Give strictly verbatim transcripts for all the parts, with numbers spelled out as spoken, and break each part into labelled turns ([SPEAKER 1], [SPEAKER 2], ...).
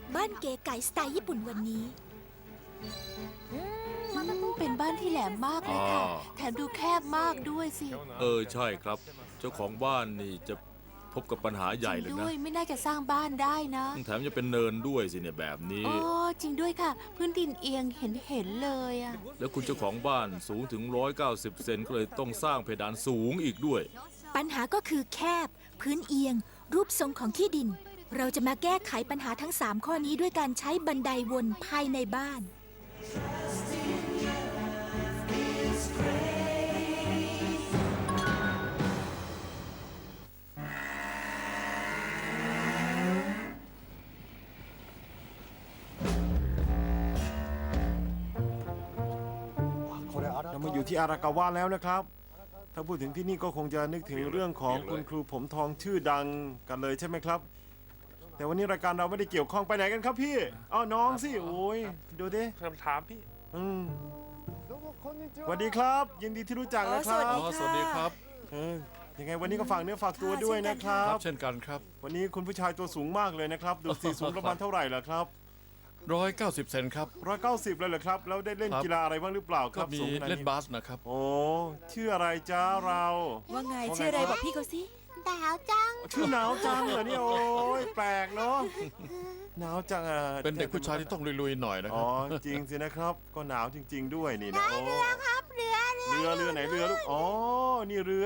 [SPEAKER 1] บ้านเก๋ไก๋สไตล์ญี่ปุ่นวันนี้
[SPEAKER 2] เป็นบ้านที่แหลมมากเลยค่ะ
[SPEAKER 3] อ่า
[SPEAKER 2] แถมดูแคบมากด้วยสิ
[SPEAKER 3] เออใช่ครับ เจ้าของบ้านนี่จะพบกับปัญหาใหญ่
[SPEAKER 2] จ
[SPEAKER 3] เล
[SPEAKER 2] ริ
[SPEAKER 3] ย
[SPEAKER 2] งด้
[SPEAKER 3] นะ
[SPEAKER 2] วยไม่น่าจะสร้างบ้านได้นะ
[SPEAKER 3] แถมจะเป็นเนินด้วยสิเนี่ยแบบนี้
[SPEAKER 2] โอ้จริงด้วยค่ะ พื้นดินเอียงเห็นเห็นเลยอะ
[SPEAKER 3] แล้วคุณเจ้าของบ้านสูงถึงหนึ่งร้อยเก้าสิบเซนก็เลยต้องสร้างเพดานสูงอีกด้วย
[SPEAKER 1] ปัญหาก็คือแคบ พื้นเอียง รูปทรงของที่ดิน เราจะมาแก้ไขปัญหาทั้งสามข้อนี้ด้วยการใช้บันไดวนภายในบ้าน
[SPEAKER 4] เรามาอยู่ที่อารากาวะแล้วนะครับ ถ้าพูดถึงที่นี่ก็คงจะนึกถึงเรื่องของคุณครูผมทองชื่อดังกันเลยใช่ไหมครับ แต่วันนี้รายการเราไม่ได้เกี่ยวข้องไปไหนกันครับพี่อ้าวน้องสิโอ้ยดูดิ
[SPEAKER 5] คำถามพี่
[SPEAKER 4] อืมสวัสดีครับ ยินดีที่รู้จักนะครับ
[SPEAKER 3] อ๋อสวัสดีครับ
[SPEAKER 4] เออยังไงวันนี้ก็ฝากเนื้อฝากตัวด้วยนะครั
[SPEAKER 3] ครับ บเช่นกันครับ
[SPEAKER 4] วันนี้คุณผู้ชายตัวสูงมากเลยนะครับ ดูสิสูงประมาณเท่าไหร่ล่ะครับ
[SPEAKER 3] ร้อยเก้าสิบเซนครับ
[SPEAKER 4] ร้อยเก้าสิบเลยเหรอครับแล้วได้เล่น
[SPEAKER 3] ครับ
[SPEAKER 4] กีฬาอะไรบ้างหรือเปล่าค
[SPEAKER 3] ก็
[SPEAKER 4] รับ
[SPEAKER 3] มี
[SPEAKER 4] สูงขนาด
[SPEAKER 3] เล่น
[SPEAKER 4] นี้
[SPEAKER 3] บาสนะครับ
[SPEAKER 4] โอ้ชื่ออะไรจ้าเรา
[SPEAKER 1] ว่าไง
[SPEAKER 4] ว่าไง
[SPEAKER 1] ชื่ออะไร
[SPEAKER 4] ครับ
[SPEAKER 1] บอกพี่เขาสิ
[SPEAKER 2] ดาวจัง
[SPEAKER 4] ชื่อหนาวจังเหรอเนี่ยโอ้ยแปลกเนาะหนาวจังอ่ะ
[SPEAKER 3] เป็นเด็กผู้ชายที่ต้องลุยๆหน่อยนะค
[SPEAKER 4] อ๋
[SPEAKER 3] รั
[SPEAKER 4] อบ จริงสินะครับ ก็หนาวจริง ๆ ด้วยนี่นะโอ้
[SPEAKER 2] ครับเรือเรือ
[SPEAKER 4] เรือเรือไหนเรือลูกอ๋อนี่เรือ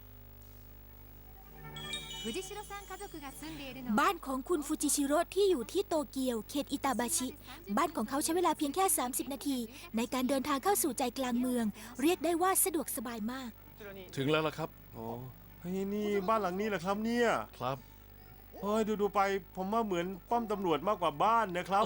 [SPEAKER 1] บ้านของคุณฟูจิชิโร่ที่อยู่ที่โตเกียวเขตอิตาบาชิ บ้านของเขาใช้เวลาเพียงแค่ สามสิบ นาที ในการเดินทางเข้าสู่ใจกลางเมือง เรียกได้ว่าสะดวกสบายมาก
[SPEAKER 3] ถึงแล้วล่ะครับ
[SPEAKER 4] โอ้เฮ้ยนี่บ้านหลังนี้เหรอครับเนี่ย
[SPEAKER 3] ครับ
[SPEAKER 4] เฮ้ยดูดูๆไปผมว่าเหมือนป้อมตำรวจมากกว่าบ้านนะครับ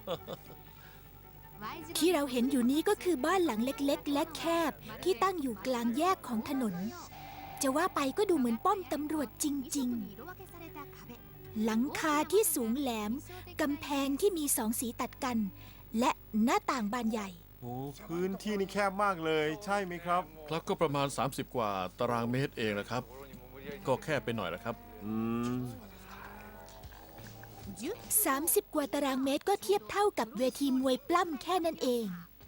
[SPEAKER 1] ที่เราเห็นอยู่นี้ก็คือบ้านหลังเล็กๆ และแคบที่ตั้งอยู่กลางแยกของถนน จะว่าไปก็ดูเหมือนป้อมตำรวจจริงๆ หลังคาที่สูงแหลม กำแพงที่มีสองสีตัดกัน และหน้าต่างบานใหญ่
[SPEAKER 4] โอ้พื้นที่นี่แคบมากเลย ใช่ไหมครับ
[SPEAKER 3] ครับก็ประมาณ สามสิบ กว่าตารางเมตรเองนะครับ ก็แค่ไปหน่อยนะครับ
[SPEAKER 4] อืม
[SPEAKER 1] สามสิบ กว่าตารางเมตรก็เทียบเท่ากับเวทีมวยปล้ำแค่นั้นเอง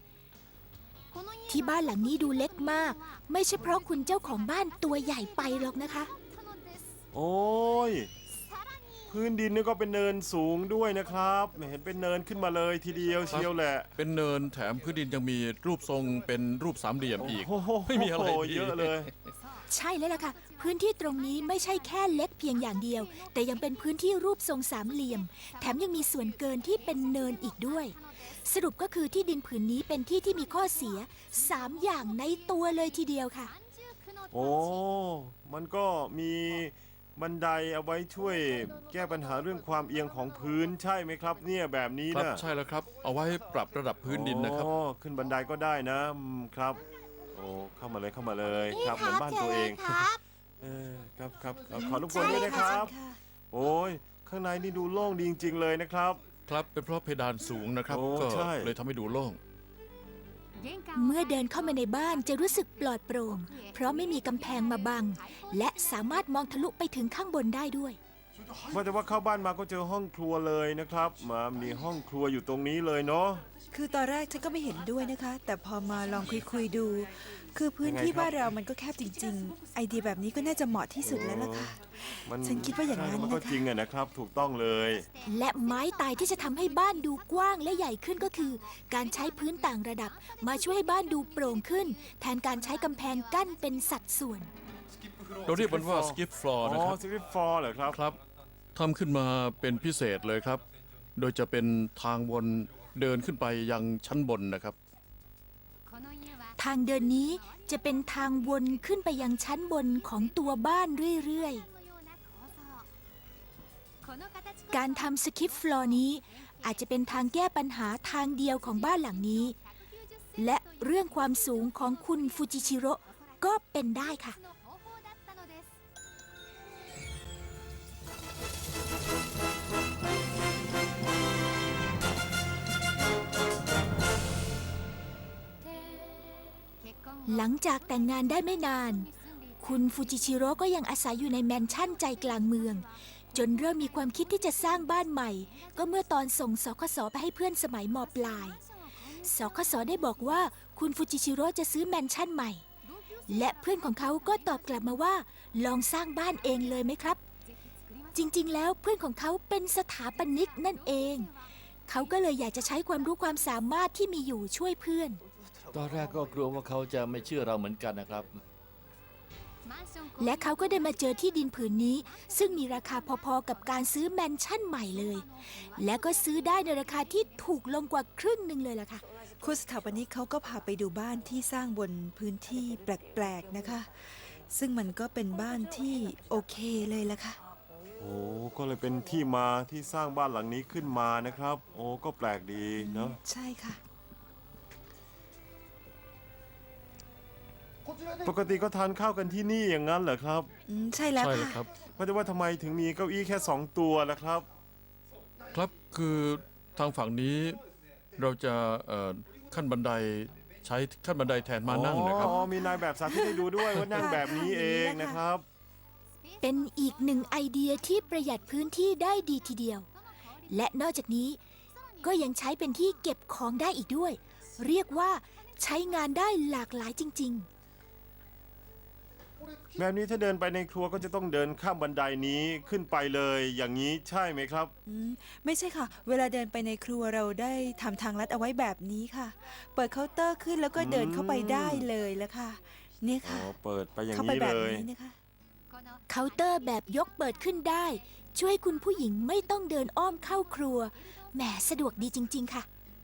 [SPEAKER 1] ที่บ้านหลังนี้ดูเล็กมาก ไม่ใช่เพราะคุณเจ้าของบ้านตัวใหญ่ไปหรอกนะคะ
[SPEAKER 4] โอ้ยพื้นดินนี่ก็เป็นเนินสูงด้วยนะครับเห็นเป็นเนินขึ้นมาเลยทีเดียวเชียวแหละ
[SPEAKER 3] เป็นเนินแถมพื้นดินยังมีรูปทรงเป็นรูปสามเหลี่ยมอีก
[SPEAKER 4] โอ้โห
[SPEAKER 3] ไม่มีอะไรดี
[SPEAKER 4] เยอะเลย
[SPEAKER 1] ใช่แล้วล่ะค่ะ พื้นที่ตรงนี้ไม่ใช่แค่เล็กเพียงอย่างเดียว แต่ยังเป็นพื้นที่รูปทรงสามเหลี่ยม แถมยังมีส่วนเกินที่เป็นเนินอีกด้วย สรุปก็คือที่ดินผืนนี้เป็นที่ที่มีข้อเสียสามอย่างในตัวเลยทีเดียวค่ะ
[SPEAKER 4] โอ้ มันก็มีบันไดเอาไว้ช่วยแก้ปัญหาเรื่องความเอียงของพื้นใช่ไหมครับ เนี่ยแบบนี้
[SPEAKER 3] ครับ
[SPEAKER 4] นะ
[SPEAKER 3] ใช่แล้วครับ เอาไว้ปรับระดับพื้นดินนะครับ
[SPEAKER 4] โอ้ขึ้นบันไดก็ได้นะอืมครับ โอ้เข้ามาเลยเข้ามาเลยครับเหมือนบ้านตัวเอง
[SPEAKER 2] ครับ
[SPEAKER 4] เออครับครับเอาขอรบกวนด้วยนะครับ โอ้ยข้างในนี่ดูโล่งดีจริงๆเลยนะครับ
[SPEAKER 3] ครับเป็นเพราะเพดานสูงนะครับ
[SPEAKER 4] โอ้
[SPEAKER 3] ก็
[SPEAKER 4] ใช่
[SPEAKER 3] เลยทำให้ดูโล่ง
[SPEAKER 1] เมื่อเดินเข้ามาในบ้านจะรู้สึกปลอดโปร่ง เพราะไม่มีกำแพงมาบัง และสามารถมองทะลุไปถึงข้างบนได้ด้วย
[SPEAKER 4] ว่าแต่ว่าเข้าบ้านมาก็เจอห้องครัวเลยนะครับ มามีห้องครัวอยู่ตรงนี้เลยเนาะ
[SPEAKER 6] คือตอนแรกฉันก็ไม่เห็นด้วยนะคะ แต่พอมาลองคุยคุยๆดู คือพื้น
[SPEAKER 4] ยังไง
[SPEAKER 6] ที่
[SPEAKER 4] ครับ
[SPEAKER 6] บ้านเรามันก็แคบจริง ๆ ไอเดียแบบนี้ก็น่าจะเหมาะที่สุดแล้วล่ะค่ะ
[SPEAKER 4] มัน
[SPEAKER 6] ฉันคิดว่าอย่างนั้น
[SPEAKER 4] ใช่มันก็
[SPEAKER 6] นะคะ
[SPEAKER 4] จริงอะนะครับ ถูกต้องเลย
[SPEAKER 1] และไม้ตายที่จะทำให้บ้านดูกว้างและใหญ่ขึ้นก็คือ การใช้พื้นต่างระดับ มาช่วยให้บ้านดูโปร่งขึ้น แทนการใช้กำแพงกั้นเป็นสัดส่วน
[SPEAKER 3] เราเรียกมันว่าสกิปฟลอร์
[SPEAKER 4] อ๋
[SPEAKER 3] นะ
[SPEAKER 4] อ
[SPEAKER 3] ครับ
[SPEAKER 4] สลิปฟอร์เหรอครับ
[SPEAKER 3] ครับทำขึ้นมาเป็นพิเศษเลยครับ โดยจะเป็นทางวนเดินขึ้นไปยังชั้นบนนะครับ
[SPEAKER 1] ทางเดินนี้จะเป็นทางวนขึ้นไปยังชั้นบนของตัวบ้านเรื่อยๆ การทำสคิปฟลอร์นี้อาจจะเป็นทางแก้ปัญหาทางเดียวของบ้านหลังนี้ และเรื่องความสูงของคุณฟูจิชิโร่ก็เป็นได้ค่ะ หลังจากแต่งงานได้ไม่นาน คุณฟูจิชิโร่ก็ยังอาศัยอยู่ในแมนชั่นใจกลางเมืองจนเริ่มมีความคิดที่จะสร้างบ้านใหม่ ก็เมื่อตอนส่งสคสไปให้เพื่อนสมัยมปลายสคสได้บอกว่าคุณฟูจิชิโร่จะซื้อแมนชั่นใหม่ และเพื่อนของเขาก็ตอบกลับมาว่าลองสร้างบ้านเองเลยไหมครับ จริงๆ แล้วเพื่อนของเขาเป็นสถาปนิกนั่นเอง เขาก็เลยอยากจะใช้ความรู้ความสามารถที่มีอยู่ช่วยเพื่อน
[SPEAKER 5] ตอนแรกก็กลัวว่าเขาจะไม่เชื่อเราเหมือนกันนะครับ
[SPEAKER 1] และเขาก็ได้มาเจอที่ดินผืนนี้ ซึ่งมีราคาพอๆกับการซื้อแมนชั่นใหม่เลย และก็ซื้อได้ในราคาที่ถูกลงกว่าครึ่งหนึ่งเลยล่ะค่ะ
[SPEAKER 6] คุณสถาปนิกเขาก็พาไปดูบ้านที่สร้างบนพื้นที่แปลกๆนะคะ ซึ่งมันก็เป็นบ้านที่โอเคเลยละค่ะ
[SPEAKER 4] โอ้ก็เลยเป็นที่มาที่สร้างบ้านหลังนี้ขึ้นมานะครับ โอ้ก็แปลกดีเนาะ
[SPEAKER 6] ใช่ค่ะ
[SPEAKER 4] ปกติก็ทานข้าวกันที่นี่อย่างนั้นเหรอครับ
[SPEAKER 6] อืมใช่แล้ว
[SPEAKER 3] ใช่เลย
[SPEAKER 6] ค่ะ
[SPEAKER 3] ครับ
[SPEAKER 4] ว่าแต่ว่าทำไมถึงมีเก้าอี้แค่สองตัวล่ะครับ
[SPEAKER 3] ครับคือทางฝั่งนี้เราจะเอ่อขั้นบันไดใช้ขั้นบันไดแทนมานั่งนะครับ
[SPEAKER 4] อ๋อ มีนายแบบสาธิตให้ดูด้วยว่านั่งแบบนี้เองนะครับ
[SPEAKER 1] เป็นอีกหนึ่งไอเดียที่ประหยัดพื้นที่ได้ดีทีเดียว และนอกจากนี้ก็ยังใช้เป็นที่เก็บของได้อีกด้วย เรียกว่าใช้งานได้หลากหลายจริง ๆ
[SPEAKER 4] แบบนี้ถ้าเดินไปในครัวก็จะต้องเดินข้ามบันไดนี้ขึ้นไปเลย อย่างนี้ใช่ไหมครับ
[SPEAKER 6] อืมไม่ใช่ค่ะ เวลาเดินไปในครัวเราได้ทำทางลัดเอาไว้แบบนี้ค่ะ เปิดเคาน์เตอร์ขึ้นแล้วก็เดินเข้าไปได้เลยละค่ะ เนี่ย
[SPEAKER 4] อ๋อ
[SPEAKER 6] ค่ะ
[SPEAKER 4] เปิดไปอย่าง
[SPEAKER 6] เข้าไป
[SPEAKER 4] นี้
[SPEAKER 6] แบ
[SPEAKER 4] เล
[SPEAKER 6] บ
[SPEAKER 4] ย
[SPEAKER 6] นี้นะคะ
[SPEAKER 1] เคาน์เตอร์แบบยกเปิดขึ้นได้ ช่วยคุณผู้หญิงไม่ต้องเดินอ้อมเข้าครัวแหมสะดวกดีจริง ๆ ค่ะ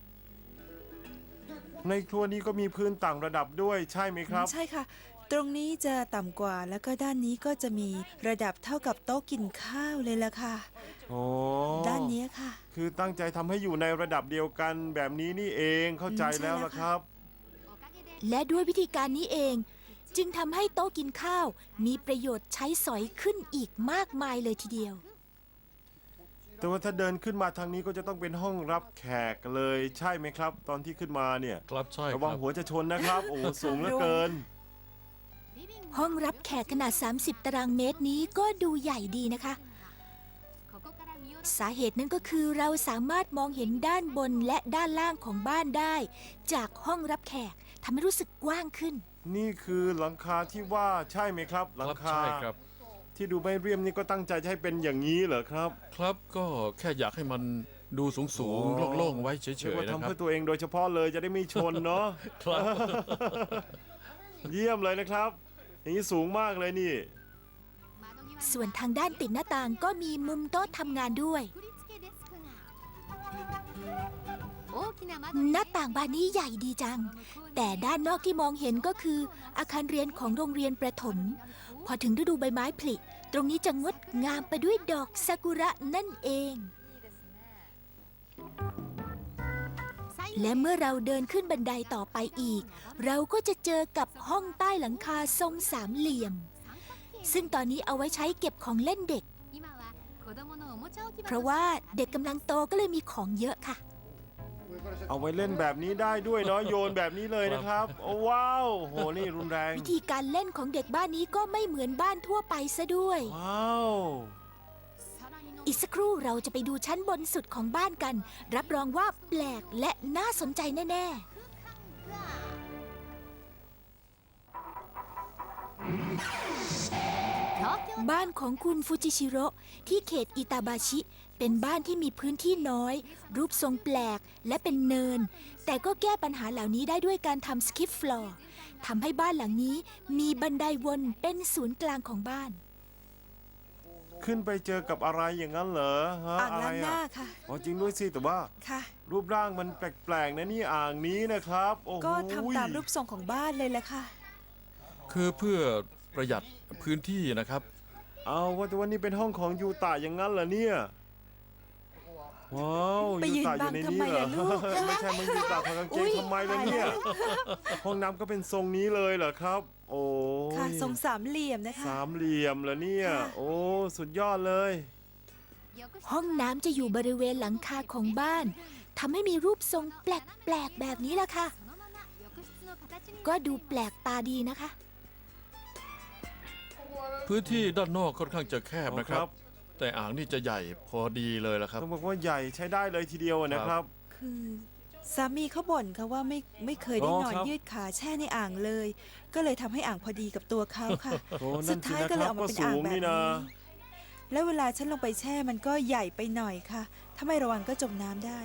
[SPEAKER 4] ในครัวนี้ก็มีพื้นต่างระดับด้วยใช่ไหมครับ
[SPEAKER 6] ใช่ค่ะ ตรงนี้จะต่ำกว่าแล้วก็ด้านนี้ก็จะมีระดับเท่ากับโต๊ะกินข้าวเลยละค่ะ
[SPEAKER 4] โอ้
[SPEAKER 6] ด้านนี้ค่ะ
[SPEAKER 4] คือตั้งใจทำให้อยู่ในระดับเดียวกันแบบนี้นี่เองเข้าใจ
[SPEAKER 6] อืมใช่
[SPEAKER 4] แล้ว
[SPEAKER 6] แล้ว
[SPEAKER 4] ละ
[SPEAKER 6] ค่ะ
[SPEAKER 4] ครับ
[SPEAKER 1] และด้วยวิธีการนี้เอง จึงทำให้โต๊ะกินข้าว มีประโยชน์ใช้สอยขึ้นอีกมากมายเลยทีเดียว
[SPEAKER 4] แต่ว่าถ้าเดินขึ้นมาทางนี้ก็จะต้องเป็นห้องรับแขกเลยใช่ไหมครับ ตอนที่ขึ้นมาเนี่ย
[SPEAKER 3] ครับใช่
[SPEAKER 4] ระ
[SPEAKER 3] ค
[SPEAKER 4] วัง
[SPEAKER 3] รับ
[SPEAKER 4] หัวจะชนนะครับ โอ้สูงเหลือเกิน
[SPEAKER 1] ห้องรับแขกขนาด สามสิบ ตารางเมตรนี้ก็ดูใหญ่ดีนะคะ สาเหตุนั้นก็คือเราสามารถมองเห็นด้านบนและด้านล่างของบ้านได้ จากห้องรับแขกทำให้รู้สึกกว้างขึ้น
[SPEAKER 4] นี่คือหลังคาที่ว่าใช่ไหมครับ หลั
[SPEAKER 3] ค
[SPEAKER 4] ง
[SPEAKER 3] รับ
[SPEAKER 4] คา
[SPEAKER 3] ใช่ครับ
[SPEAKER 4] ที่ดูไม่เรียมนี่ก็ตั้งใจจะให้เป็นอย่างนี้เหรอครับ
[SPEAKER 3] ครับก็แค่อยากให้มันดูสูงสูง
[SPEAKER 4] อ๋อ
[SPEAKER 3] โล่งๆไว้เฉ
[SPEAKER 4] เรียก
[SPEAKER 3] ย
[SPEAKER 4] ว่า
[SPEAKER 3] ๆนะ
[SPEAKER 4] ทำ
[SPEAKER 3] ครับ
[SPEAKER 4] เพื่อตัวเองโดยเฉพาะเลยจะได้ไม่ชนเนาะ
[SPEAKER 3] ครับ
[SPEAKER 4] เยี่ยมเลยนะครับ อย่างนี้สูงมากเลยนี่
[SPEAKER 1] ส่วนทางด้านติดหน้าต่างก็มีมุมโต๊ะทำงานด้วย หน้าต่างบานนี้ใหญ่ดีจัง แต่ด้านนอกที่มองเห็นก็คืออาคารเรียนของโรงเรียนประถม พอถึงฤดูใบไม้ผลิตรงนี้จะงดงามไปด้วยดอกซากุระนั่นเอง และเมื่อเราเดินขึ้นบันไดต่อไปอีก เราก็จะเจอกับห้องใต้หลังคาทรงสามเหลี่ยม ซึ่งตอนนี้เอาไว้ใช้เก็บของเล่นเด็ก เพราะว่าเด็กกำลังโตก็เลยมีของเยอะค่ะ
[SPEAKER 4] เอาไว้เล่นแบบนี้ได้ด้วยเนาะโยนแบบนี้เลยนะครับ โอ้ว้าวโหนี่รุนแรง
[SPEAKER 1] วิธีการเล่นของเด็กบ้านนี้ก็ไม่เหมือนบ้านทั่วไปซะด้วย
[SPEAKER 4] ว้าว
[SPEAKER 1] อีกสักครู่เราจะไปดูชั้นบนสุดของบ้านกัน รับรองว่าแปลกและน่าสนใจแน่ ๆ บ้านของคุณฟูจิชิโร่ที่เขตอิตาบาชิ เป็นบ้านที่มีพื้นที่น้อย รูปทรงแปลกและเป็นเนิน แต่ก็แก้ปัญหาเหล่านี้ได้ด้วยการทำสกิปฟลอร์ทำให้บ้านหลังนี้มีบันไดวนเป็นศูนย์กลางของบ้าน
[SPEAKER 4] ขึ้นไปเจอกับอะไรอย่างนั้นเหรอฮะ
[SPEAKER 6] อ่าง
[SPEAKER 4] อะไร
[SPEAKER 6] ล้างหน้า
[SPEAKER 4] อ่ะ
[SPEAKER 6] ค่ะ
[SPEAKER 4] อ๋อจริงด้วยสิแต่ว่า
[SPEAKER 6] ค่ะ
[SPEAKER 4] รูปร่างมันแปลกๆนะนี่อ่างนี้นะครับโอ้โห
[SPEAKER 6] ก็ทำตามรูปทรงของบ้านเลยละค่ะ
[SPEAKER 3] คือเพื่อประหยัดพื้นที่นะครับ
[SPEAKER 4] เอาว่าแต่ว่านี่เป็นห้องของยูตะอย่างนั้นเหรอเนี่ยว้าว
[SPEAKER 6] ไปยืน
[SPEAKER 4] ตะอ
[SPEAKER 6] บัง
[SPEAKER 4] ใน
[SPEAKER 6] ทำไม
[SPEAKER 4] เหรอ
[SPEAKER 6] ล่ะลูก
[SPEAKER 4] ไม่ใช่มึงยูตะถอดกางเก
[SPEAKER 6] อุ๊
[SPEAKER 4] ง
[SPEAKER 6] ย
[SPEAKER 4] ทำไมล่ะเนี่ย
[SPEAKER 6] ตายแล้ว
[SPEAKER 4] ห้องน้ำก็เป็นทรงนี้เลยเหรอครับ โอ้
[SPEAKER 6] ค่ะ
[SPEAKER 4] ย
[SPEAKER 6] ทรงสามเหลี่ยมนะคะ
[SPEAKER 4] สามเหลี่ยมเหรอเนี่ย
[SPEAKER 6] ค่ะ
[SPEAKER 4] โอ้สุดยอดเลย
[SPEAKER 1] ห้องน้ำจะอยู่บริเวณหลังคาของบ้านทำให้มีรูปทรงแปลกๆแบบนี้ล่ะค่ะ ก็ดูแปลกตาดีนะคะ
[SPEAKER 3] พื้นที่ด้านนอกค่อนข้างจะแคบ
[SPEAKER 4] อ๋อ
[SPEAKER 3] นะครับ
[SPEAKER 4] ครับ
[SPEAKER 3] แต่อ่างนี่จะใหญ่พอดีเลยละครับ
[SPEAKER 4] ต้องบอกว่าใหญ่ใช้ได้เลยทีเดียวอะนะครับ
[SPEAKER 6] คือสามีเขาบ่นค่ะว่าไม่ไม่เคยได้
[SPEAKER 4] อ๋อน
[SPEAKER 6] อน
[SPEAKER 4] ครับ
[SPEAKER 6] ยืดขาแช่ในอ่างเลย ก็เลยทำให้อ่างพอดีกับตัวเขาค่ะ
[SPEAKER 4] โอ้
[SPEAKER 6] สุ
[SPEAKER 4] นั่
[SPEAKER 6] ด
[SPEAKER 4] นสิ
[SPEAKER 6] ท้าย
[SPEAKER 4] นะ
[SPEAKER 6] ก็
[SPEAKER 4] ค
[SPEAKER 6] เลย
[SPEAKER 4] รับ
[SPEAKER 6] ออกมา
[SPEAKER 4] ก็
[SPEAKER 6] เป็น
[SPEAKER 4] สู
[SPEAKER 6] อ่าง
[SPEAKER 4] ง
[SPEAKER 6] แบบ
[SPEAKER 4] นี่นะ
[SPEAKER 6] นี้ แล้วเวลาฉันลงไปแช่มันก็ใหญ่ไปหน่อยค่ะ ถ้าไม่ระวังก็จมน้ำได้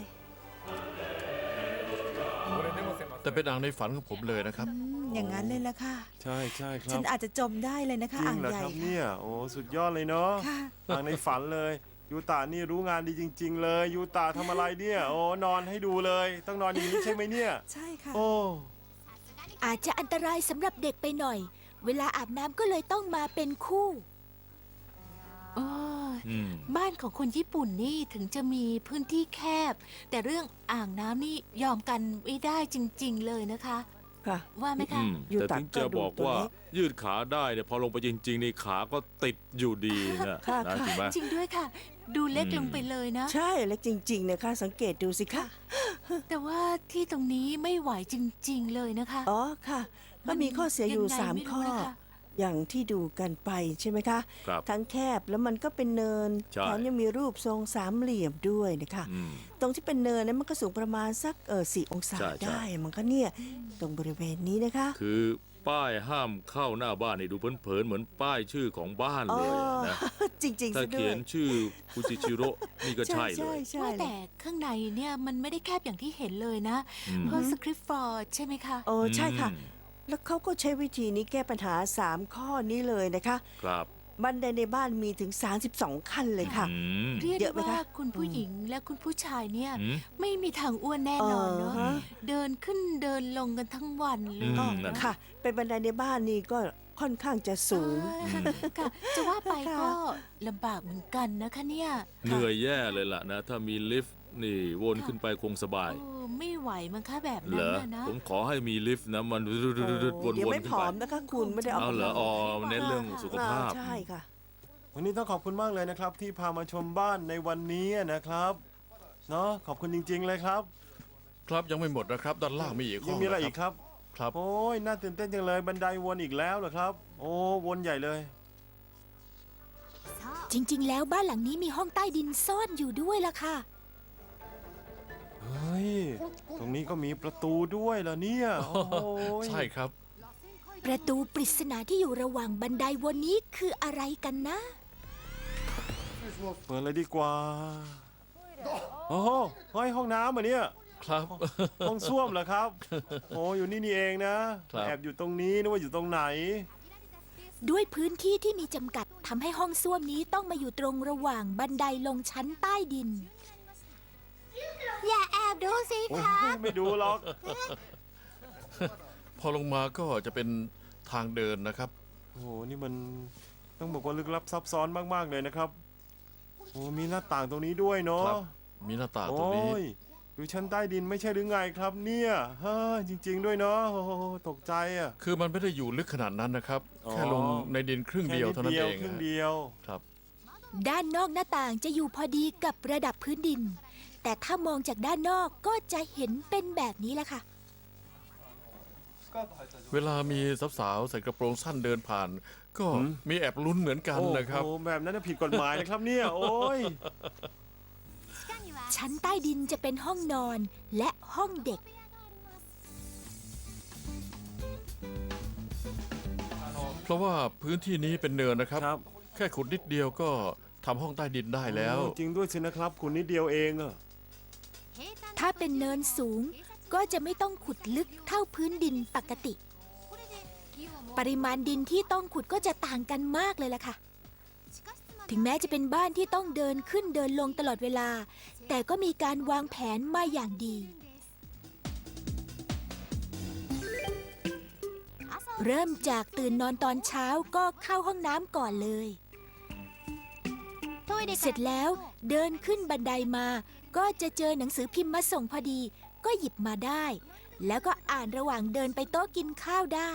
[SPEAKER 3] แต่เป็นอ่างในฝันของผมเลยนะครับ
[SPEAKER 6] อืมอย่างนั้นเลยละค่ะ
[SPEAKER 4] ใช่ใช่ครั
[SPEAKER 6] ฉั
[SPEAKER 4] บ
[SPEAKER 6] นอาจจะจมได้เลยนะคะ
[SPEAKER 4] จริ
[SPEAKER 6] อ่าง ง
[SPEAKER 4] เหรอ
[SPEAKER 6] ใหญ่
[SPEAKER 4] ครับ
[SPEAKER 6] ค่ะ
[SPEAKER 4] เนี่ยโอ้สุดยอดเลยเนาะ
[SPEAKER 6] ค่ะ
[SPEAKER 4] อ่างในฝันเลยยูตานี่รู้งานดีจริง ๆ เลยยูตาทำอะไรเนี่ยโอ้นอนให้ดูเลย ต้องนอนอย่างนี้ใช่ไหมเนี่ย
[SPEAKER 6] ใช่ค่ะ
[SPEAKER 4] โอ้
[SPEAKER 1] อาจจะอันตรายสำหรับเด็กไปหน่อย เวลาอาบน้ำก็เลยต้องมาเป็นคู่
[SPEAKER 2] โอ้ย
[SPEAKER 5] อืม
[SPEAKER 2] บ้านของคนญี่ปุ่นนี่ถึงจะมีพื้นที่แคบ แต่เรื่องอ่างน้ำนี่ยอมกันไม่ได้จริง ๆ เลยนะคะ
[SPEAKER 7] ค่ะ
[SPEAKER 2] ว่าไหมคะ
[SPEAKER 8] อืม
[SPEAKER 7] ยู
[SPEAKER 8] แต่
[SPEAKER 7] ตะ
[SPEAKER 8] ถึงจะ
[SPEAKER 7] ก็ดู
[SPEAKER 8] บอก
[SPEAKER 7] ตัว
[SPEAKER 8] ว่า
[SPEAKER 7] เล็ก
[SPEAKER 8] ยืดขาได้เนี่ยพอลงไปจริงๆในขาก็ติดอยู่ดีนะ
[SPEAKER 7] ค่ะ
[SPEAKER 8] นะ
[SPEAKER 7] ค่ะ
[SPEAKER 8] จริงไหม
[SPEAKER 2] จริงด้วยค่ะ ดูเล็ก
[SPEAKER 8] อืม
[SPEAKER 2] ลงไปเลยนะ
[SPEAKER 7] ใช่เล็กจริง ๆ นะคะ สังเกตดูสิคะ
[SPEAKER 2] แต่ว่าที่ตรงนี้ไม่ไหวจริง ๆ เลยนะคะ
[SPEAKER 7] อ๋อค่ะ ก็มีข้อเสียอยู่
[SPEAKER 2] งไง
[SPEAKER 7] สาม
[SPEAKER 2] ไรู้
[SPEAKER 7] ข้อ
[SPEAKER 2] นะคะ
[SPEAKER 7] อย่างที่ดูกันไปใช่ไหมคะ
[SPEAKER 8] ครับ
[SPEAKER 7] ทั้งแคบแล้วมันก็เป็นเนิน
[SPEAKER 8] ใช่
[SPEAKER 7] แถมยังมีรูปทรงสามเหลี่ยมด้วยนะคะ
[SPEAKER 8] อืม
[SPEAKER 7] ตรงที่เป็นเนินนั้นมันก็สูงประมาณสักเออสี่องศา
[SPEAKER 8] ใช่ใช่
[SPEAKER 7] ได้ มันก็เนี่ยตรงบริเวณนี้นะคะ
[SPEAKER 8] คือป้ายห้ามเข้าหน้าบ้านนี่ดูเผินๆเหมือนป้ายชื่อของบ้านเลยนะ
[SPEAKER 7] จริงๆ
[SPEAKER 8] ถ้า
[SPEAKER 7] ซะด้
[SPEAKER 8] เขี
[SPEAKER 7] วย
[SPEAKER 8] นชื่อฟูจิชิโร่นี่ก็ใช่เล
[SPEAKER 7] ใช่
[SPEAKER 8] ย
[SPEAKER 7] ใช่
[SPEAKER 2] ว่า
[SPEAKER 7] เล
[SPEAKER 2] แต่
[SPEAKER 7] ย
[SPEAKER 2] ข้างในเนี่ยมันไม่ได้แคบอย่างที่เห็นเลยนะ
[SPEAKER 8] อืม
[SPEAKER 2] เพราะสคริปต์ฟอร์ดใช่ไหมคะ
[SPEAKER 7] โอ้ใช่ค่ะ
[SPEAKER 8] อืม
[SPEAKER 7] แล้วเขาก็ใช้วิธีนี้แก้ปัญหาสามข้อนี้เลยนะคะ
[SPEAKER 8] ครับ
[SPEAKER 7] บันไดในบ้านมีถึงสามสิบสองขั้นเลยค่ะ
[SPEAKER 8] อืม
[SPEAKER 2] เรียก
[SPEAKER 7] เย
[SPEAKER 2] ได้
[SPEAKER 7] อะไหม
[SPEAKER 2] ว่า
[SPEAKER 7] คะ
[SPEAKER 2] คุณผู้หญิงและคุณผู้ชายเนี่ย
[SPEAKER 8] อืม
[SPEAKER 2] ไม่มีทางอ้วนแน่นอนเนาะ
[SPEAKER 7] เออฮะ
[SPEAKER 2] เดินขึ้นเดินลงกันทั้งวันเล
[SPEAKER 8] อื
[SPEAKER 2] ย
[SPEAKER 8] ม
[SPEAKER 7] ก็
[SPEAKER 8] นั่น
[SPEAKER 7] ค่ะ เป็นบันไดในบ้านนี่ก็ค่อนข้างจะสูง
[SPEAKER 2] อ่าค่ะจะว่าไป
[SPEAKER 7] ค่ะ
[SPEAKER 2] ก็ลำบากเหมือนกันนะคะเนี่ย
[SPEAKER 8] เหนื่อยแย่เลยล่ะนะ ถ้ามีลิฟต์นี่วนขึ้นไปคงสบาย
[SPEAKER 2] โอ้ไม่ไหวมั้งคะแบบ
[SPEAKER 8] เหร
[SPEAKER 2] นั้น
[SPEAKER 8] อ
[SPEAKER 2] น่ะนะ
[SPEAKER 8] ผมขอให้มีลิฟต์นะมันว
[SPEAKER 7] โอ้
[SPEAKER 8] น
[SPEAKER 7] เดี๋ยว
[SPEAKER 8] ๆ
[SPEAKER 7] ไม่
[SPEAKER 8] ขึ้น
[SPEAKER 7] ผอ
[SPEAKER 8] ไป
[SPEAKER 7] มนะคะคุณไม่ได้ออก
[SPEAKER 8] เอาเหรอ
[SPEAKER 7] กำลัง
[SPEAKER 8] อ๋อเน้นเรื่องสุขภาพ
[SPEAKER 7] อ่ใช่ค่ะ
[SPEAKER 4] วันนี้ต้องขอบคุณมากเลยนะครับ ที่พามาชมบ้านในวันนี้นะครับเนาะขอบคุณจริง ๆ เลยครับ
[SPEAKER 3] ครับยังไม่หมดนะครับ ด้านล่างมีอีกห้
[SPEAKER 4] ยั
[SPEAKER 3] อง ง
[SPEAKER 4] มีอะไร
[SPEAKER 3] น
[SPEAKER 4] อีกครับ
[SPEAKER 3] ครับ
[SPEAKER 4] โอ้ยน่าตื่นเต้นจังเลยบันไดวนอีกแล้วเหรอครับ โอ้วนใหญ่เลย
[SPEAKER 1] จริง ๆ แล้วบ้านหลังนี้มีห้องใต้ดินซ่อนอยู่ด้วยล่ะค่ะ
[SPEAKER 4] เฮ้ย ตรงนี้ก็มีประตูด้วยเหรอเนี่ย โอ้ย
[SPEAKER 3] ใช่ครับ
[SPEAKER 1] ประตูปริศนาที่อยู่ระหว่างบันไดวนนี้คืออะไรกันนะ
[SPEAKER 4] เปิดเลยดีกว่า โอ้โหเฮ้ยห้องน้ำเหรอเนี่ย
[SPEAKER 3] ครับ
[SPEAKER 4] ห้องส้วมเหรอครับ โอ้อยู่นี่นี่เองนะครับ แอบอยู่ตรงนี้นึกว่าอยู่ตรงไหน
[SPEAKER 1] ด้วยพื้นที่ที่มีจำกัดทำให้ห้องส้วมนี้ต้องมาอยู่ตรงระหว่างบันไดลงชั้นใต้ดิน
[SPEAKER 2] อย่าแอบดูสิ
[SPEAKER 4] โอ้ยไม่ดูหรอก
[SPEAKER 3] พอลงมาก็จะเป็นทางเดินนะครับ
[SPEAKER 4] โอ้โห นี่มันต้องบอกว่าลึกลับซับซ้อนมาก ๆ เลยนะครับ โอ้ มีหน้าต่างตรงนี้ด้วยเนาะ
[SPEAKER 3] ครับ มีหน้าต่างตรง
[SPEAKER 4] โอ้
[SPEAKER 3] นี้
[SPEAKER 4] ยอยู่ชั้นใต้ดินไม่ใช่หรือไงครับเนี่ยเฮ้ยจริง ๆ ด้วยเนาะโอ้โหตกใจอ่ะ
[SPEAKER 3] คือมันไม่ได้อยู่ลึกขนาดนั้นนะครับ
[SPEAKER 4] อ๋อ
[SPEAKER 3] แค่ลงในดินครึ่งเดียวเท่านั้นเอง
[SPEAKER 4] ครึ่ง
[SPEAKER 3] ฮะ
[SPEAKER 4] เดียว
[SPEAKER 3] ครับ
[SPEAKER 1] ด้านนอกหน้าต่างจะอยู่พอดีกับระดับพื้นดิน แต่ถ้ามองจากด้านนอกก็จะเห็นเป็นแบบนี้แหละค่ะ
[SPEAKER 3] เวลามีสาวๆใส่กระโปรงสั้นเดินผ่าน ก็มีแอบลุ้นเหมือนกันนะครับ
[SPEAKER 4] โอ้โหแบบนั้นนะผิดกฎหมายนะครับเนี่ย โอ้ย
[SPEAKER 1] ชั้นใต้ดินจะเป็นห้องนอนและห้องเด็ก
[SPEAKER 3] เพราะว่าพื้นที่นี้เป็นเนินนะครับ
[SPEAKER 4] ครับ
[SPEAKER 3] แค่ขุดนิดเดียวก็ทำห้องใต้ดินได้แล้ว
[SPEAKER 4] โอ้จริงด้วยสินะครับ คุณนิดเดียวเองอะ
[SPEAKER 1] ถ้าเป็นเนินสูงก็จะไม่ต้องขุดลึกเท่าพื้นดินปกติ ปริมาณดินที่ต้องขุดก็จะต่างกันมากเลยล่ะค่ะ ถึงแม้จะเป็นบ้านที่ต้องเดินขึ้นเดินลงตลอดเวลา แต่ก็มีการวางแผนมาอย่างดี เริ่มจากตื่นนอนตอนเช้าก็เข้าห้องน้ำก่อนเลย เสร็จแล้วเดินขึ้นบันไดมาก็จะเจอหนังสือพิมพ์มาส่งพอดี ก็หยิบมาได้ แล้วก็อ่านระหว่างเดินไปโต๊ะกินข้าวได้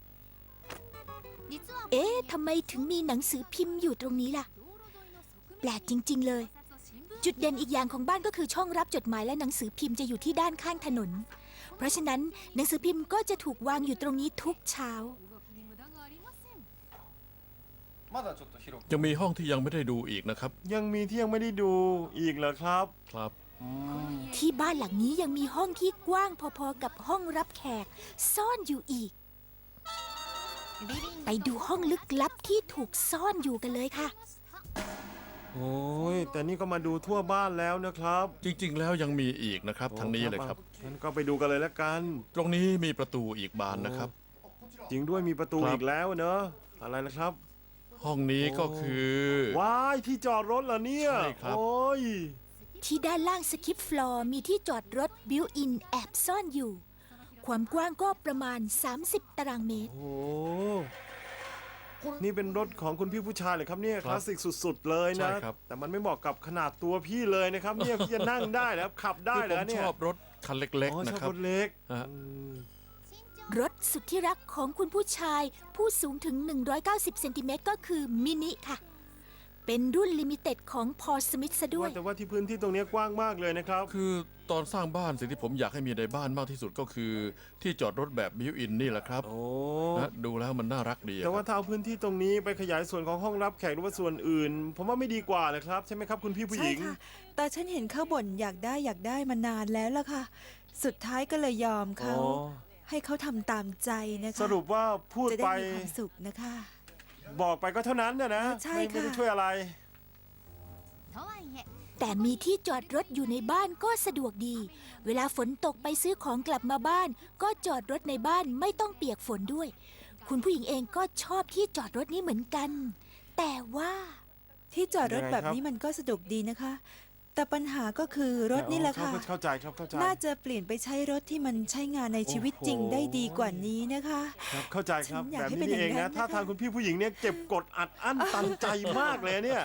[SPEAKER 1] เอ๊ะทำไมถึงมีหนังสือพิมพ์อยู่ตรงนี้ล่ะ แปลกจริง ๆ เลย จุดเด่นอีกอย่างของบ้านก็คือช่องรับจดหมายและหนังสือพิมพ์จะอยู่ที่ด้านข้างถนน เพราะฉะนั้นหนังสือพิมพ์ก็จะถูกวางอยู่ตรงนี้ทุกเช้า
[SPEAKER 3] ยังมีห้องที่ยังไม่ได้ดูอีกนะครับ
[SPEAKER 4] ยังมีที่ยังไม่ได้ดูอีกเหรอครับ
[SPEAKER 3] ครับ
[SPEAKER 4] อืม
[SPEAKER 1] ที่บ้านหลังนี้ยังมีห้องที่กว้างพอๆกับห้องรับแขก ซ่อนอยู่อีก ไปดูห้องลึกลับที่ถูกซ่อนอยู่กันเลยค่ะ
[SPEAKER 4] โอ้ยแต่นี่ก็มาดูทั่วบ้านแล้วนะครับ
[SPEAKER 3] จริง ๆ แล้วยังมีอีกนะครับทางนี้เลยครับ
[SPEAKER 4] งั้นก็ไปดูกันเลยแล้วกัน
[SPEAKER 3] ตรงนี้มีประตูอีกบานนะครับ
[SPEAKER 4] จริงด้วยมีประตู
[SPEAKER 3] ครับ
[SPEAKER 4] อีกแล้วเนอะอะไรนะครับ
[SPEAKER 3] ห้องนี้ก็คือ
[SPEAKER 4] ว้ายที่จอดรถเหรอเนี่ย
[SPEAKER 3] ใช่ครับ
[SPEAKER 4] โอ้ย
[SPEAKER 1] ที่ด้านล่างสคิปฟลอร์มีที่จอดรถบิวอินแอบซ่อนอยู่ ความกว้างก็ประมาณ สามสิบ ตารางเมตร
[SPEAKER 4] โอ้นี่เป็นรถของคุณพี่ผู้ชายเหรอครับเนี่ยคลาสสิกสุดๆเลยนะ
[SPEAKER 3] ใช่ครับ
[SPEAKER 4] แต่มันไม่เหมาะกับขนาดตัวพี่เลยนะครับเนี่ยพี่จะนั่งได้แล้วขับได้
[SPEAKER 3] คือ
[SPEAKER 4] เหร
[SPEAKER 3] ผ
[SPEAKER 4] อ
[SPEAKER 3] ม
[SPEAKER 4] เนี่
[SPEAKER 3] ช
[SPEAKER 4] ย
[SPEAKER 3] อบรถคันเล็ก
[SPEAKER 4] อ๋อ
[SPEAKER 3] ๆ นะ
[SPEAKER 4] ชอบ
[SPEAKER 3] ครับ
[SPEAKER 4] รถเล็ก
[SPEAKER 3] ฮะ
[SPEAKER 4] อืม
[SPEAKER 1] รถสุดที่รักของคุณผู้ชาย ผู้สูงถึง หนึ่งร้อยเก้าสิบ เซนติเมตรก็คือมินิค่ะ เป็นรุ่นลิมิเต็ดของพอสมิธซะด้วย
[SPEAKER 4] ว่าแต่ว่าที่พื้นที่ตรงเนี้ยกว้างมากเลยนะครับ
[SPEAKER 3] คือตอนสร้างบ้านสิ่งที่ผมอยากให้มีในบ้านมากที่สุดก็คือ ที่จอดรถแบบบิวอินนี่แหละครับ
[SPEAKER 4] โอ้
[SPEAKER 3] นะดูแล้วมันน่ารักดีอะ
[SPEAKER 4] แต่ว่า
[SPEAKER 3] ครับ
[SPEAKER 4] ถ้าเอาพื้นที่ตรงนี้ไปขยายส่วนของห้องรับแขกหรือว่าส่วนอื่น ผมว่าไม่ดีกว่าเลยครับใช่ไหมครับคุณพี่ผู้ห
[SPEAKER 6] ใช่
[SPEAKER 4] ญิง
[SPEAKER 6] ค่ะ แต่ฉันเห็นเขาบ่นอยากได้อยากได้มานานแล้วล่ะค่ะ สุดท้ายก็เลยยอมเขา
[SPEAKER 4] อ๋อ
[SPEAKER 6] ให้เขาทำตามใจนะคะ
[SPEAKER 4] สรุปว่าพูด
[SPEAKER 6] จะได้
[SPEAKER 4] ไป
[SPEAKER 6] มีความสุขนะคะ
[SPEAKER 4] บอกไปก็เท่านั้นนะนะ
[SPEAKER 6] ใช่
[SPEAKER 4] ไม่ไม่ได้
[SPEAKER 6] ค่ะ
[SPEAKER 4] ช่วยอะไร
[SPEAKER 1] แต่มีที่จอดรถอยู่ในบ้านก็สะดวกดี เวลาฝนตกไปซื้อของกลับมาบ้าน ก็จอดรถในบ้านไม่ต้องเปียกฝนด้วย คุณผู้หญิงเองก็ชอบที่จอดรถนี้เหมือนกัน แต่ว่า
[SPEAKER 6] ที่จอดรถ
[SPEAKER 4] ยังไง
[SPEAKER 6] แบบ
[SPEAKER 4] ครับ
[SPEAKER 6] นี้มันก็สะดวกดีนะคะ แต่ปัญหาก็คือรถนี่แหละค่ะ
[SPEAKER 4] เข้าใจครับเข้าใจ
[SPEAKER 6] น่าจะเปลี่ยนไปใช้รถที่มันใช้งานในชีวิตจริง
[SPEAKER 4] โอ้โห
[SPEAKER 6] ได้ดีกว่านี้นะคะ
[SPEAKER 4] ครับเข้าใจครับ
[SPEAKER 6] ฉันอยาก
[SPEAKER 4] แบบ
[SPEAKER 6] ให้
[SPEAKER 4] นี้
[SPEAKER 6] เป็น
[SPEAKER 4] นี่เอง
[SPEAKER 6] อย่างนั้
[SPEAKER 4] นะ
[SPEAKER 6] น
[SPEAKER 4] ถ้า
[SPEAKER 6] นะคะ
[SPEAKER 4] ทางคุณพี่ผู้หญิงเนี่ยเก็บกดอัดอั้นตันใจมากเลยเนี่ย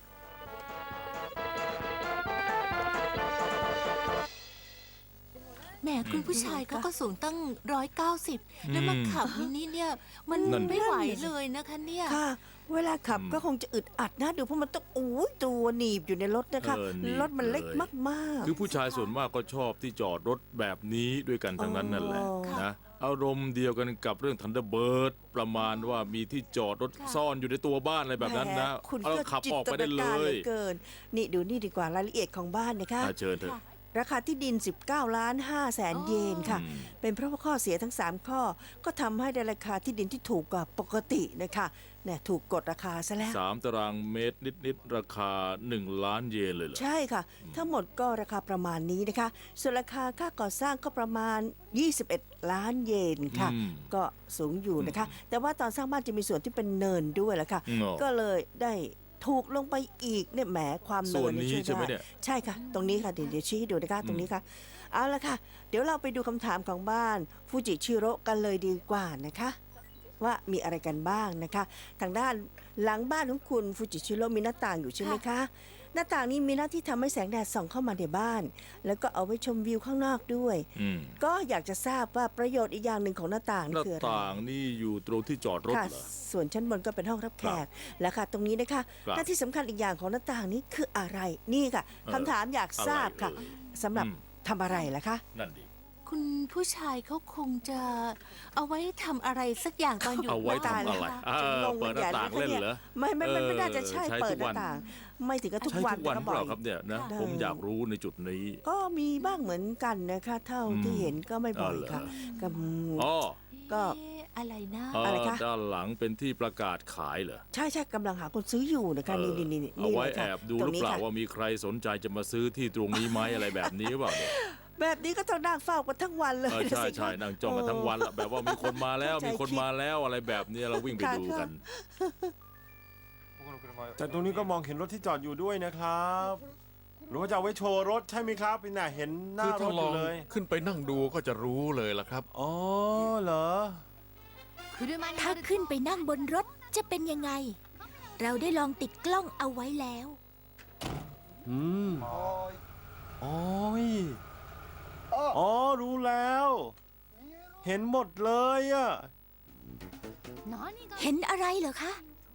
[SPEAKER 2] แหมคุณผู้ชายเขาก็สูงตั้งร้อยเก้าสิบแล้วมาขับมินิเนี่ย มัน
[SPEAKER 8] นั่น
[SPEAKER 2] ไม่ไหวเลยนะคะเนี่ย
[SPEAKER 7] ค่ะ เวลาขับก็คงจะอึดอัดนะดูเพราะมันต้องอู้ยตัวหนีบอยู่ในรถนะคะ
[SPEAKER 8] เออหนีบ
[SPEAKER 7] รถมันเล็ก
[SPEAKER 8] เลย
[SPEAKER 7] มากๆ
[SPEAKER 8] คือผู้ชายส่วนมากก็ชอบที่จอดรถแบบนี้ด้วยกันทั้งนั้นนั่นแหละ
[SPEAKER 7] อ๋อ
[SPEAKER 8] นะอารมณ์เดียวกันกับเรื่อง Thunderbird ประมาณว่ามีที่จอดรถ
[SPEAKER 2] ค่ะ
[SPEAKER 8] ซ่อนอยู่ในตัวบ้านอะไรแบบนั้นนะ
[SPEAKER 7] แหมคุณ
[SPEAKER 8] เอา
[SPEAKER 7] ก็
[SPEAKER 8] ขับ
[SPEAKER 7] จิต
[SPEAKER 8] ออกไปได้เล
[SPEAKER 7] นาการห
[SPEAKER 8] ย
[SPEAKER 7] อเกิน นี่ดูนี่ดีกว่ารายละเอียดของบ้านนะคะ
[SPEAKER 8] อ่ะเชิญเถอะ
[SPEAKER 7] ราคาที่ดิน สิบเก้าล้านห้าแสนเยนค่ะ
[SPEAKER 8] อืม
[SPEAKER 7] เป็นเพราะว่าข้อเสียทั้ง สาม ข้อ ก็ทำให้ได้ราคาที่ดินที่ถูกกว่าปกตินะคะเนี่ยถูกกดราคาซะแล้ว
[SPEAKER 8] สามตารางเมตรนิดๆราคาหนึ่งล้านเยนเลยเหรอ
[SPEAKER 7] ใช่ค่ะ ทั้งหมดก็ราคาประมาณนี้นะคะ ส่วนราคาค่าก่อสร้างก็ประมาณ ยี่สิบเอ็ด ล้านเยนค่ะ
[SPEAKER 8] อืม
[SPEAKER 7] ก็สูงอยู่นะคะ แต่ว่าตอนสร้างบ้านจะมีส่วนที่เป็นเนินด้วยแหละค่ะ
[SPEAKER 8] อืมอ๋อ
[SPEAKER 7] ก็เลยได้ถูกลงไปอีกเนี่ยแหมความเนิ
[SPEAKER 8] ส่วน น
[SPEAKER 7] เย
[SPEAKER 8] นี้
[SPEAKER 7] ช่วย
[SPEAKER 8] ใช่ไหม
[SPEAKER 7] ได้
[SPEAKER 8] เนี่ย
[SPEAKER 7] ใช่ค่ะ ตรงนี้ค่ะเดี๋ยวเดี๋ยวชี้ให้ดูนะคะตรงนี้ค่ะ เอาละค่ะ เดี๋ยวเราไปดูคำถามของบ้านฟูจิชิโร่กันเลยดีกว่านะคะ ว่ามีอะไรกันบ้างนะคะ ทางด้านหลังบ้านของคุณฟูจิชิโร่มีหน้าต่างอยู่ใช่ไหมคะ หน้าต่างนี้มีหน้าที่ทำให้แสงแดดส่องเข้ามาในบ้าน แล้วก็เอาไว้ชมวิวข้างนอกด้วย
[SPEAKER 8] อืม
[SPEAKER 7] ก็อยากจะทราบว่าประโยชน์อีกอย่างหนึ่งของหน้าต่าง
[SPEAKER 8] ห
[SPEAKER 7] นี่
[SPEAKER 8] น้า
[SPEAKER 7] คืออะไร
[SPEAKER 8] ต่างนี่อยู่ตรงที่จอดรถ
[SPEAKER 7] ค่ะ
[SPEAKER 8] เหรอ
[SPEAKER 7] ส่วนชั้นบนก็เป็นห้องรับแขกแล้วค่ะ ตรงนี้นะคะ
[SPEAKER 8] ครับ
[SPEAKER 7] หน้าที่สำคัญอีกอย่างของหน้าต่างนี้คืออะไรนี่ค่ะ
[SPEAKER 8] เออ
[SPEAKER 7] คำถามอยากทราบค่ะ
[SPEAKER 8] อะไรเอ่ย
[SPEAKER 7] สำหรับ
[SPEAKER 8] อืม
[SPEAKER 7] ทำอะไรล่ะคะ
[SPEAKER 8] นั่นดิ
[SPEAKER 2] คุณผู้ชายเขาคงจะเอาไว้ทำอะไรสักอย่างตอนอยู่
[SPEAKER 8] เอาไว้
[SPEAKER 2] บ้าน
[SPEAKER 8] ทำอะไร
[SPEAKER 2] นะคะ
[SPEAKER 8] เออเปิดหน้าต่างเล่นเหรอ
[SPEAKER 7] ไม่ไม่ไม่ไม่น่าจะใช่
[SPEAKER 8] เออใช้
[SPEAKER 7] เปิด
[SPEAKER 8] ทุก
[SPEAKER 7] ห
[SPEAKER 8] วั
[SPEAKER 7] น้าน ต่าง ไม่ถึงกับทุก
[SPEAKER 8] ใช้
[SPEAKER 7] วัน
[SPEAKER 8] ทุกวัน
[SPEAKER 7] แต่
[SPEAKER 8] เป
[SPEAKER 7] บ่อ
[SPEAKER 8] ล่าย ครับเนี่ยนะ
[SPEAKER 7] ค่ะ
[SPEAKER 8] ผมอยากรู้ในจุดนี้
[SPEAKER 7] ก็มีบ้างเหมือนกันนะคะ เท่า
[SPEAKER 8] อืม
[SPEAKER 7] ที่เห็นก็ไม่บ่อย
[SPEAKER 8] อ๋อเหรอ
[SPEAKER 7] ค่ะกับ
[SPEAKER 8] อ๋อ
[SPEAKER 7] ก็
[SPEAKER 2] เอ๊ะอะไรนะ
[SPEAKER 8] เอ่อ
[SPEAKER 7] อะไรคะ
[SPEAKER 8] ด้านหลังเป็นที่ประกาศขายเหรอ
[SPEAKER 7] ใช่ใช่กำลังหาคนซื้ออยู่นะคะ
[SPEAKER 8] เอ
[SPEAKER 7] นี่
[SPEAKER 8] อ
[SPEAKER 7] นี่นี่
[SPEAKER 8] เอาไว้
[SPEAKER 7] นี่ลย
[SPEAKER 8] แอ
[SPEAKER 7] ค่ะ
[SPEAKER 8] บดู
[SPEAKER 7] ต
[SPEAKER 8] ห
[SPEAKER 7] ร
[SPEAKER 8] รื
[SPEAKER 7] ง
[SPEAKER 8] อ
[SPEAKER 7] นี้
[SPEAKER 8] เปล่า
[SPEAKER 7] ค่ะ
[SPEAKER 8] ว่ามีใครสนใจจะมาซื้อที่ตรงนี้ไหมอะไรแบบนี้หรือเปล่าเนี่ย
[SPEAKER 7] แบบนี้ก็ต้องนั่งเฝ้ากันทั้งวันเลย
[SPEAKER 8] เออใช่
[SPEAKER 7] สิคะ
[SPEAKER 8] ใช่นั่งจ้องกันทั้งวันละแบบว่ามีคนมาแล้ว
[SPEAKER 7] ใจ
[SPEAKER 8] มีคนมาแล้วอะไรแบบนี้เราวิ่งไป
[SPEAKER 7] ค่ะ
[SPEAKER 8] ดูกัน
[SPEAKER 4] แต่ตรงนี้ก็มองเห็นรถที่จอดอยู่ด้วยนะครับหรือว่าจะเอาไว้โชว์รถใช่ไหมครับพี่น่ะเห็นหน้า
[SPEAKER 3] คือ
[SPEAKER 4] ร
[SPEAKER 3] ถ้า
[SPEAKER 4] ถ
[SPEAKER 3] ล
[SPEAKER 4] อ
[SPEAKER 3] อยู่ ง
[SPEAKER 4] เลย
[SPEAKER 3] ขึ้นไปนั่งดูก็จะรู้เลยล่ะครับ
[SPEAKER 4] อ๋อเหรอ
[SPEAKER 1] ถ้าขึ้นไปนั่งบนรถจะเป็นยังไง เราได้ลองติดกล้องเอาไว้แล้ว
[SPEAKER 4] อืมโอ้ยอ๋อรู้แล้ว เห็นหมดเลยอะ
[SPEAKER 1] เห็นอะไรเหรอคะ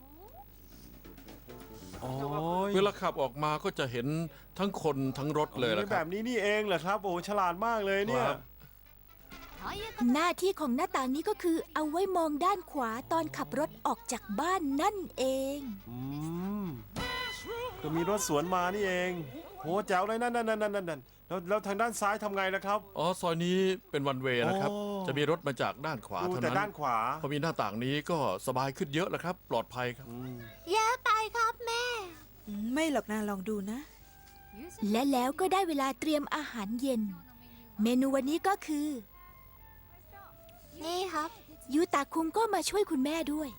[SPEAKER 4] โอ้ย
[SPEAKER 3] เวลาขับออกมาก็จะเห็นทั้งคนทั้งรถเลยล่ะค
[SPEAKER 4] แบ
[SPEAKER 3] รับบ
[SPEAKER 4] นี้นี่เองเหรอครับโอ้ฉลาดมากเลยเนี่ย
[SPEAKER 3] ครับ
[SPEAKER 1] หน้าที่ของหน้าต่างนี้ก็คือเอาไว้มองด้านขวาตอนขับรถออกจากบ้านนั่นเอง
[SPEAKER 4] อืมก็มีรถสวนมานี่เองโหแจ๋วเลยนั่นนั่นนั่นนั่นนั่นแล้วแล้วทางด้านซ้ายทำไงล่ะครับ
[SPEAKER 3] อ๋อซอยนี้เป็นวันเวย์นะครับ
[SPEAKER 4] โอ้
[SPEAKER 3] จะมีรถมาจากด้านขวา
[SPEAKER 4] ดู
[SPEAKER 3] เท่า
[SPEAKER 4] แต่
[SPEAKER 3] นั้น
[SPEAKER 4] ด้านขวา
[SPEAKER 3] พอมีหน้าต่างนี้ก็สบายขึ้นเยอะแล้วครับ ปลอดภัยครับ
[SPEAKER 4] อืม
[SPEAKER 2] แย่ไปครับแม่
[SPEAKER 6] อืมไม่หรอกนะลองดูนะ
[SPEAKER 1] และแล้วก็ได้เวลาเตรียมอาหารเย็น เมนูวันนี้ก็คือ
[SPEAKER 2] นี่ครับ
[SPEAKER 1] ยูตาคุงก็มาช่วยคุณแม่ด้วย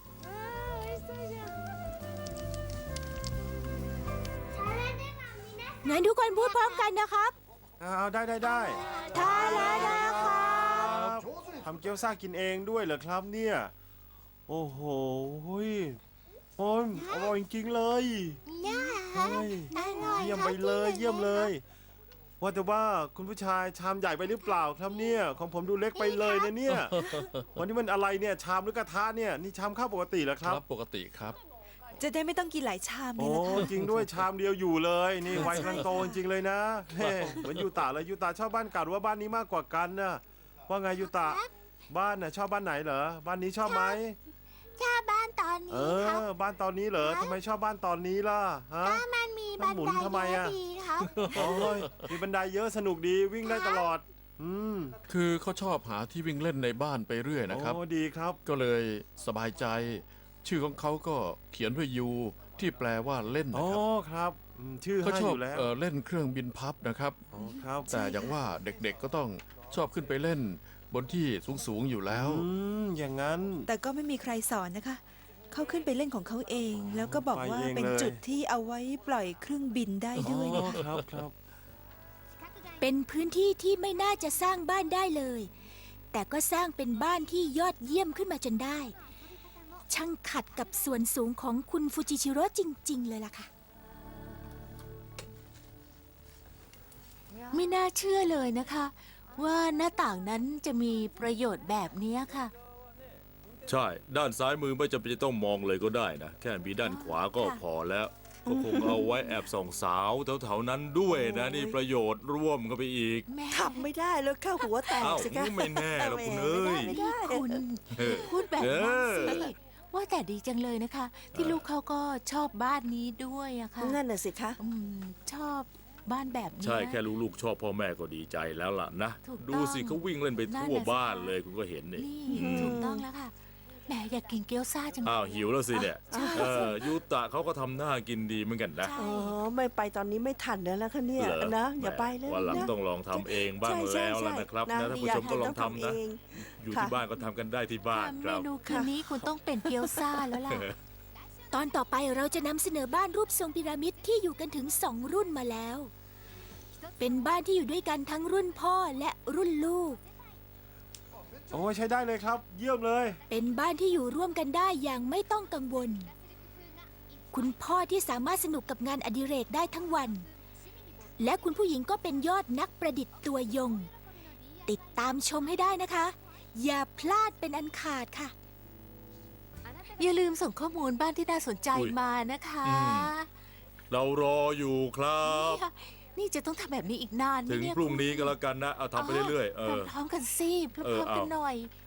[SPEAKER 1] งั้นทุกคนพูดพร้อมกันนะครับ
[SPEAKER 4] เอาได้ได้ได้
[SPEAKER 1] ทานแล้วนะครับ
[SPEAKER 4] ทำเกี๊ยวซ่ากินเองด้วยเหรอครับเนี่ย โอ้โหเฮ้ยโอ้ยอร่อยจริงๆเลยเฮ้ยเยี่ยมไปเลยเยี่ยมเลย ว่าแต่ว่าคุณผู้ชายชามใหญ่ไปหรือเปล่าครับเนี่ย ของผมดูเล็กไปเลยนะเนี่ย วันนี้มันอะไรเนี่ยชามหรือกระทะเนี่ยนี่ชามข้าวปกติเหรอค
[SPEAKER 3] ค
[SPEAKER 4] รั
[SPEAKER 3] รับ บปกติครับ
[SPEAKER 6] จะได้ไม่ต้องกินหลายชามไง
[SPEAKER 4] โอ้
[SPEAKER 6] ล่ะค่ะ
[SPEAKER 4] จริงด้วยชามเดียวอยู่เลยนี่วัยกำลังโตจริงๆเลยนะเฮ้เหมือนยูตาเลยยูตาชอบบ้านเก่าหรือว่าบ้านนี้มากกว่ากันนะว่าไงยูตาบ้านน่ะชอบบ้านไหนเหรอบ้านนี้ชอบไหม
[SPEAKER 2] ชอบบ้านตอน
[SPEAKER 4] เอ
[SPEAKER 2] นี้ครับ
[SPEAKER 4] อบ้านตอนนี้เหรอทำไมชอบบ้านตอนนี้ล่ะฮะ
[SPEAKER 2] ถ้ามันมี
[SPEAKER 4] มั
[SPEAKER 2] บั
[SPEAKER 4] น
[SPEAKER 2] น
[SPEAKER 4] หมุน
[SPEAKER 2] ได
[SPEAKER 4] ทำไม
[SPEAKER 2] เย
[SPEAKER 4] อะ
[SPEAKER 2] อะดีครับ
[SPEAKER 4] โอ้ยมีบันไดเยอะสนุกดีวิ่งได้ตลอด อืม
[SPEAKER 3] คือเขาชอบหาที่วิ่งเล่นในบ้านไปเรื่อยนะครับ
[SPEAKER 4] โอ้ดีครับ
[SPEAKER 3] ก็เลยสบายใจ ชื่อของเขาก็เขียนด้วยยูที่แปลว่าเล่น
[SPEAKER 4] โอ้
[SPEAKER 3] นะครับ
[SPEAKER 4] ครับอืมชื่อ
[SPEAKER 3] เขา
[SPEAKER 4] ให้
[SPEAKER 3] ช
[SPEAKER 4] อ
[SPEAKER 3] อบ
[SPEAKER 4] ยู่แล้ว
[SPEAKER 3] เอ่อเล่นเครื่องบินพับนะครับ
[SPEAKER 4] โอ้ครับ
[SPEAKER 3] แต่อย่างว่าเด็กๆก็ต้องชอบขึ้นไปเล่นบนที่สูงๆอยู่แล้ว
[SPEAKER 4] อืมอย่างนั้น
[SPEAKER 6] แต่ก็ไม่มีใครสอนนะคะ เขาขึ้นไปเล่นของเขาเอง แล้วก็บอกว่า
[SPEAKER 4] ไปเอง
[SPEAKER 6] เป็น
[SPEAKER 4] เลย
[SPEAKER 6] จุดที่เอาไว้ปล่อยเครื่องบินได้ด้วย
[SPEAKER 4] อ๋อ
[SPEAKER 6] นะคะ
[SPEAKER 4] ครับครับ
[SPEAKER 1] เป็นพื้นที่ที่ไม่น่าจะสร้างบ้านได้เลย แต่ก็สร้างเป็นบ้านที่ยอดเยี่ยมขึ้นมาจนได้ ช่างขัดกับส่วนสูงของคุณฟูจิชิโร่จริง ๆ เลยล่ะค่ะ
[SPEAKER 2] ไม่น่าเชื่อเลยนะคะ ว่าหน้าต่างนั้นจะมีประโยชน์แบบนี้ค่ะ
[SPEAKER 8] ใช่ ด้านซ้ายมือไม่จำเป็นจะต้องมองเลยก็ได้นะ แค่มีด้านขวาก็พอแล้ว ก็คงเอาไว้แอบส่องสาวแถวๆนั้นด้วยนะ นี่ประโยชน์ร่วมกันไปอีก
[SPEAKER 2] แม่
[SPEAKER 7] ทำไม่ได้แล้วเข้าหัวแตก
[SPEAKER 8] อ้าว
[SPEAKER 7] สิคะ
[SPEAKER 8] ไม่แน่หรอกคุณเอ้ย
[SPEAKER 7] ไม่ได้
[SPEAKER 2] นี่
[SPEAKER 7] ไม่ได้
[SPEAKER 2] คุณ
[SPEAKER 8] เออ
[SPEAKER 2] พูดแบบนั้น
[SPEAKER 8] เออ
[SPEAKER 2] สิว่าแต่ดีจังเลยนะคะ ที่ลูกเขาก็ชอบบ้านนี้ด้วยอะค่ะ
[SPEAKER 7] นั่นน่ะสิคะ
[SPEAKER 2] อืมชอบบ้านแบบนี้
[SPEAKER 8] ใช่แค่ลูกๆชอบพ่อแม่ก็ดีใจแล้วล่ะนะ
[SPEAKER 2] ถูกต้อง
[SPEAKER 8] ดูสิเขาวิ่งเล่นไปทั่ว
[SPEAKER 2] นั่นน่ะสิ
[SPEAKER 8] บ้านเลยคุณก็เห็นนี่
[SPEAKER 2] นี่
[SPEAKER 8] อืม
[SPEAKER 2] ถูกต้องแล้วค่ะแหมอยากกินเกี๊ยวซ่าจังเลย
[SPEAKER 8] อ้าวหิวแล้วสิเนี่ย
[SPEAKER 2] ใช่
[SPEAKER 8] เออยูตะเขาก็ทำหน้ากินดีเหมือนกันนะ
[SPEAKER 2] ใช่
[SPEAKER 7] อ๋อ ไม่ไปตอนนี้ไม่ทันแล้วนะคะเนี่ย
[SPEAKER 8] เหรอ
[SPEAKER 7] นะ อย่าไปเลย
[SPEAKER 8] วันหลัง
[SPEAKER 7] นะ
[SPEAKER 8] ต้องลองทำเองบ้าง
[SPEAKER 7] ใช่ใช่
[SPEAKER 8] แล้ว
[SPEAKER 7] ใช่
[SPEAKER 8] ล่ะนะครับ
[SPEAKER 7] นะ
[SPEAKER 8] นะท่านผู้ชมก็ลองทำนะ
[SPEAKER 7] เอง
[SPEAKER 8] อยู่
[SPEAKER 7] ค่ะ
[SPEAKER 8] ที่บ้านก็ทำกันได้ที่บ้านค
[SPEAKER 2] เม
[SPEAKER 8] รับ
[SPEAKER 2] นูคืนนี้คุณต้องเป็นเกี๊ยวซ่าแล้วล่ะ
[SPEAKER 1] ตอนต่อไปเราจะนำเสนอบ้านรูปทรงพีระมิดที่อยู่กันถึงสองรุ่นมาแล้ว เป็นบ้านที่อยู่ด้วยกันทั้งรุ่นพ่อและรุ่นลูก
[SPEAKER 4] โอ้ใช้ได้เลยครับ เยี่ยมเลย
[SPEAKER 1] เป็นบ้านที่อยู่ร่วมกันได้อย่างไม่ต้องกังวล คุณพ่อที่สามารถสนุกกับงานอดิเรกได้ทั้งวัน และคุณผู้หญิงก็เป็นยอดนักประดิษฐ์ตัวยง ติดตามชมให้ได้นะคะ อย่าพลาดเป็นอันขาดค่ะ
[SPEAKER 2] อย่าลืมส่งข้อมูลบ้านที่น่าสนใจ
[SPEAKER 8] อุ๊ย
[SPEAKER 2] มานะคะ
[SPEAKER 3] อืม
[SPEAKER 8] เรารออยู่ครับ
[SPEAKER 2] นี่ค่ะนี่จะต้องทำแบบนี้อีกนานไหม
[SPEAKER 8] ถึง
[SPEAKER 2] เนี่ย
[SPEAKER 8] พรุ่งนี้
[SPEAKER 2] คุณ
[SPEAKER 8] ก็แล้วกันนะ เอาทำไปเรื่อยๆ เออ
[SPEAKER 2] พร้อมๆกันสิพ
[SPEAKER 8] เอ
[SPEAKER 2] ร้
[SPEAKER 8] อ
[SPEAKER 2] อมๆกัน
[SPEAKER 8] เอา
[SPEAKER 2] หน่อย